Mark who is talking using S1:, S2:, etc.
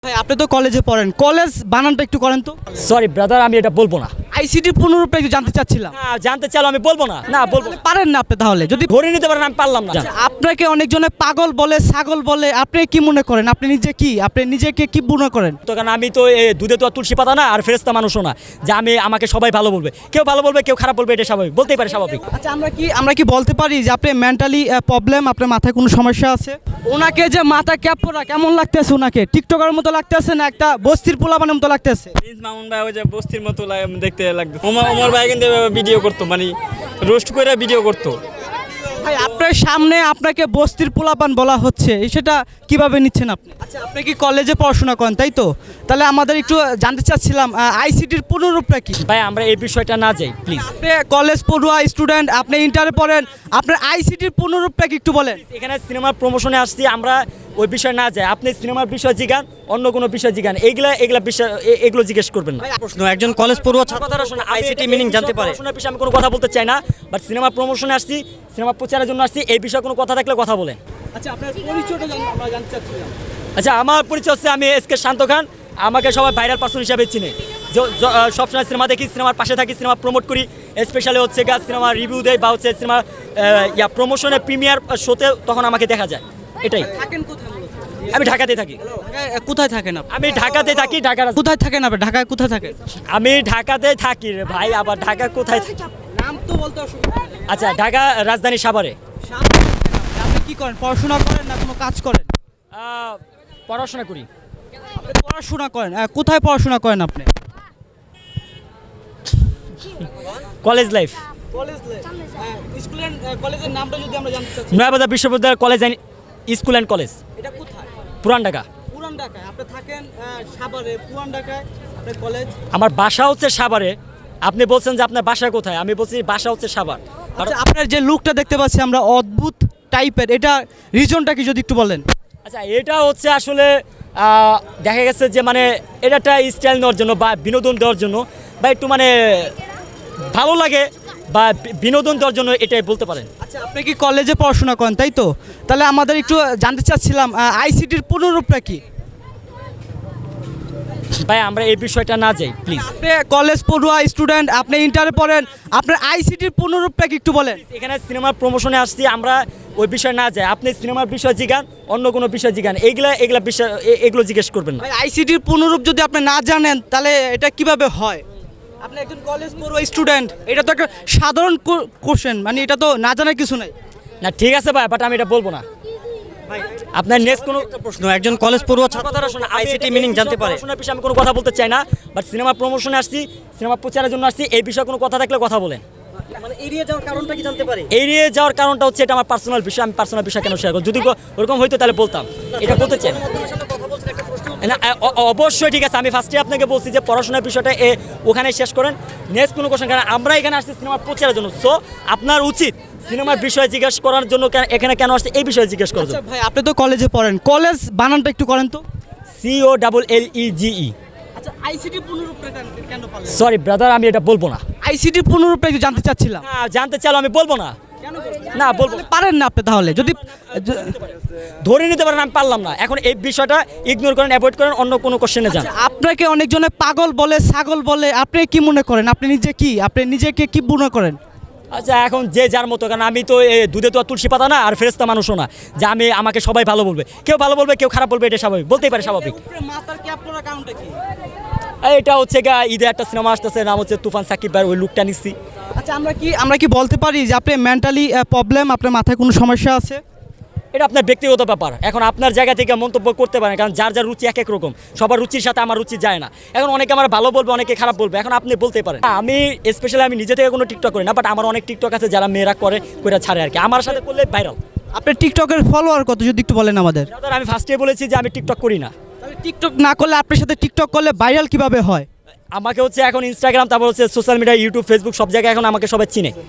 S1: ভাই আপনি তো কলেজে পড়েন, কলেজ বানানটা একটু করেন তো।
S2: সরি ব্রাদার, আমি এটা বলবো না।
S1: আইসিটির পূর্ণরূপটা একটু জানতে চাচ্ছিলাম।
S2: না, জানতে চাইলে আমি বলবো না। না বলবো না।
S1: পারেন না আপনি, তাহলে যদি
S2: ধরে নিতে পারেন, আমি পারলাম না।
S1: আপনাকে অনেকজনে পাগল বলে, ছাগল বলে, আপনি কি মনে করেন? আপনি নিজেকে কি মনে করেন?
S2: তো কারণ আমি তো দুধে তো আর তুলসী পাতা না, আর ফেরেশতা মানুষও না যে আমাকে সবাই ভালো বলবে। কেউ ভালো বলবে, কেউ খারাপ বলবে, এটা স্বাভাবিক, বলতেই পারে, স্বাভাবিক।
S1: আচ্ছা, আমরা কি বলতে পারি যে আপনি মেন্টালি প্রবলেম, আপনার মাথায় কোনো সমস্যা আছে? ওনাকে যে মাথা ক্যাপ পরা কেমন লাগতেছে? ওনাকে টিকটকার মতো লাগতেছে না একটা বস্তির পোলাপানের মতো লাগতেছে?
S3: প্রিন্স মামুন ভাই ওই যে বস্তির মতো দেখতে লাগতো। ওমর ভাই কিন্তু ভিডিও করতো, মানে রোস্ট করে ভিডিও করতো।
S1: ভাই আপনার সামনে আপনাকে বস্তির পোলাপান বলা হচ্ছে, সেটা কিভাবে নিচ্ছেন আপনি? আচ্ছা, আপনি কি কলেজে পড়াশোনা করেন, তাই তো? তাহলে আমাদের একটু জানতে চাচ্ছিলাম আইসিটির পূর্ণরূপটা কি?
S2: ভাই আমরা এই বিষয়টা না যাই প্লিজ।
S1: আপনি কলেজ পড়ুয়া স্টুডেন্ট, আপনি ইন্টারে পড়েন, আপনার আইসিটির পূর্ণরূপটা কি একটু বলেন?
S2: এখানে সিনেমার প্রমোশনে আসছি, আমরা ওই বিষয় না যাই। আপনি সিনেমার বিষয় জিগান, অন্য কোনো বিষয় জিগান, এগুলা বিষয় এগুলো জিজ্ঞেস করবেন না।
S4: প্রশ্ন, একজন কলেজ পড়ুয়া ছাত্র
S2: কথাটা শোনা,
S4: আইসিটি মিনিং জানতে পারে?
S2: পড়াশোনার বিষয়ে আমি কোনো কথা বলতে চাই না, বাট সিনেমার প্রমোশনে আসছি, সিনেমা প্রচারের জন্য আসছি। এই বিষয়ে কোনো কথা থাকলে কথা বলেন।
S1: আচ্ছা, আপনার পরিচয়টা আমরা জানতে চাচ্ছিলাম।
S2: আচ্ছা, আমার পরিচয় হচ্ছে আমি এসকে শান্ত খান। আমাকে সবাই ভাইরাল পার্সন হিসাবে চিনে। সবসময় সিনেমা দেখি, সিনেমার পাশে থাকি, সিনেমা প্রমোট করি, স্পেশালি হচ্ছে সিনেমা রিভিউ দেয় বা হচ্ছে সিনেমা প্রমোশনে প্রিমিয়ার শোতে, তখন আমাকে দেখা যায়। এটাই।
S1: থাকেন কোথায় মূলত?
S2: আমি ঢাকাতে থাকি।
S1: কোথায় থাকেন আপনি?
S2: আমি ঢাকাতে থাকি।
S1: কোথায় থাকেন আপনি? ঢাকায় কোথায় থাকেন?
S2: আমি ঢাকাতে থাকি রে ভাই, আবার ঢাকা কোথায় থাকি?
S1: নাম তো বলতে অসুবিধা নেই।
S2: আচ্ছা, ঢাকা রাজধানী সাভারে।
S1: আপনি কি করেন? পড়াশোনা করেন না কোনো কাজ করেন?
S2: পড়াশোনা করি।
S1: আপনি পড়াশোনা করেন, কোথায় পড়াশোনা করেন আপনি?
S2: College life.
S1: কলেজের নামটা যদি আমরা জানতে চাচ্ছি।
S2: নয়াবাজার বিশ্ববিদ্যালয় college and school and college,
S1: এটা কোথায়?
S2: পুরান ঢাকা।
S1: পুরান ঢাকায়। আপনি থাকেন সাভারে, পুরান ঢাকায় আপনার কলেজ।
S2: আমার বাসা হচ্ছে সাভারে। আপনি বলছেন যে আপনার বাসা কোথায়, আমি বলছি বাসা হচ্ছে সাভার।
S1: আচ্ছা, আপনার যে লুকটা দেখতে পাচ্ছি আমরা, অদ্ভুত টাইপের, এটা রিজনটা কি যদি একটু বলেন?
S2: আচ্ছা, এটা হচ্ছে আসলে দেখা গেছে যে মানে এটা একটা স্টাইল নেওয়ার জন্য বা বিনোদন দেওয়ার জন্য বা একটু মানে ভালো লাগে বা বিনোদন দেওয়ার জন্য, এটাই বলতে পারেন।
S1: আচ্ছা, আপনি কি কলেজে পড়াশোনা করেন, তাই তো? তাহলে আমাদের একটু জানতে চাচ্ছিলাম আইসিটির পূর্ণরূপটা কি?
S2: ভাই আমরা এই বিষয়টা না যাই প্লিজ।
S1: আপনি কলেজ পড়ুয়া স্টুডেন্ট, আপনি ইন্টারে পড়েন, আপনার আইসিটির পূর্ণরূপটা কি একটু বলেন?
S2: এখানে সিনেমার প্রমোশনে আসছি, আমরা ওই বিষয় না যাই। আপনি সিনেমার বিষয় জিগান, অন্য কোনো বিষয় জিগান, এগুলা বিষয় এগুলো জিজ্ঞেস করবেন না।
S1: ভাই আইসিটির পূর্ণরূপ যদি আপনি না জানেন, তাহলে এটা কিভাবে হয়? আপনি একজন কলেজ পড়ুয়া স্টুডেন্ট, এটা তো একটা সাধারণ কোশ্চেন, মানে এটা তো না জানার কিছু নাই।
S2: না ঠিক আছে ভাই, বাট আমি এটা বলবো না। আপনার নেক্সট কোনো
S4: প্রশ্ন, একজন কলেজ পড়ুয়া ছাত্র
S2: কথাটা শোনা,
S4: আইসিটি মিনিং জানতে পারে?
S2: পড়াশোনার বিষয়ে আমি কোনো কথা বলতে চাই না, বাট সিনেমা প্রমোশনে আসছি, সিনেমা প্রচারের জন্য আসছি। এই বিষয়ে কোনো কথা থাকলে কথা বলেন।
S4: মানে এড়িয়ে যাওয়ার কারণটা কি জানতে পারে?
S2: এড়িয়ে যাওয়ার কারণটা হচ্ছে এটা আমার পার্সোনাল বিষয়। আমি পার্সোনাল বিষয় কেন শেয়ার করব? যদি ওরকম হইতো তাহলে বলতাম, এটা বলতে চাই না। না, অবশ্যই ঠিক আছে। আমি ফার্স্টে আপনাকে বলছি যে পড়াশোনার বিষয়টা ওখানে শেষ করেন, নেক্সট কোনো কোশ্চেন। কারণ আমরা এখানে আসছি সিনেমার প্রচারের জন্য, সো আপনার উচিত সিনেমার বিষয়ে জিজ্ঞেস করার জন্য এখানে কেন আসছে এই বিষয়ে জিজ্ঞেস করার
S1: আচ্ছা
S2: জন্য।
S1: ভাই, আপনি তো কলেজে পড়েন, কলেজ বানানটা একটু করেন তো।
S2: COLLEGE।
S1: আচ্ছা, আইসিটির পূর্ণরূপটা কেন পারলেন?
S2: সরি ব্রাদার, আমি এটা বলবো না।
S1: আইসিটির পূর্ণরূপটা একটু জানতে চাচ্ছিলাম।
S2: না, জানতে চাইলে আমি বলবো না।
S1: কেন
S2: না বলবো না।
S1: পারেন না আপনি? তাহলে যদি
S2: ধরে নিতে পারেন, আমি পারলাম না। এখন এই বিষয়টা ইগনোর করেন, অ্যাভয়েড করেন, অন্য কোনো কোশ্চেনে যান।
S1: আপনাকে অনেকজনে পাগল বলে, ছাগল বলে, আপনি কি মনে করেন? আপনি নিজেকে কি মনে করেন?
S2: আচ্ছা, এখন যে যার মতো, কারণ আমি তো দুধে তো আর তুলসী পাতা না, আর ফেরেশতা মানুষও না যে আমাকে সবাই ভালো বলবে। কেউ ভালো বলবে, কেউ খারাপ বলবে, এটা স্বাভাবিক, বলতেই পারে, স্বাভাবিক।
S1: মাথার ক্যাপ পরার কারণটা কি?
S2: এটা হচ্ছে ঈদে একটা সিনেমা আসতেছে, নাম হচ্ছে তুফান, সাকিব ভাই, ওই লুকটা নিচ্ছি।
S1: আচ্ছা, আমরা কি বলতে পারি যে আপনি মেন্টালি প্রবলেম, আপনার মাথায় কোনো সমস্যা আছে?
S2: এটা আপনার ব্যক্তিগত ব্যাপার। এখন আপনার জায়গা থেকে মন্তব্য করতে পারেন, কারণ যার যার রুচি এক এক রকম। সবার রুচির সাথে আমার রুচি যায় না। এখন অনেকে আমার ভালো বলবে, অনেকে খারাপ বলবে, এখন আপনি বলতে পারেন। আমি স্পেশালি আমি নিজে থেকে কোনো টিকটক করি না, বাট আমার অনেক টিকটক আছে যারা মেয়েরা করে ছাড়ে আর কি, আমার সাথে করলে ভাইরাল।
S1: আপনার টিকটকের ফলোয়ার কত যদি একটু বলেন আমাদের?
S2: আমি ফার্স্টে বলেছি যে আমি টিকটক করি না।
S1: তাহলে টিকটক না করলে আপনার সাথে টিকটক করলে ভাইরাল কিভাবে হয়?
S2: আমাকে হচ্ছে এখন ইনস্টাগ্রাম, তারপর হচ্ছে সোশ্যাল মিডিয়া, ইউটিউব, ফেসবুক, সব জায়গায় এখন আমাকে সবাই চিনে।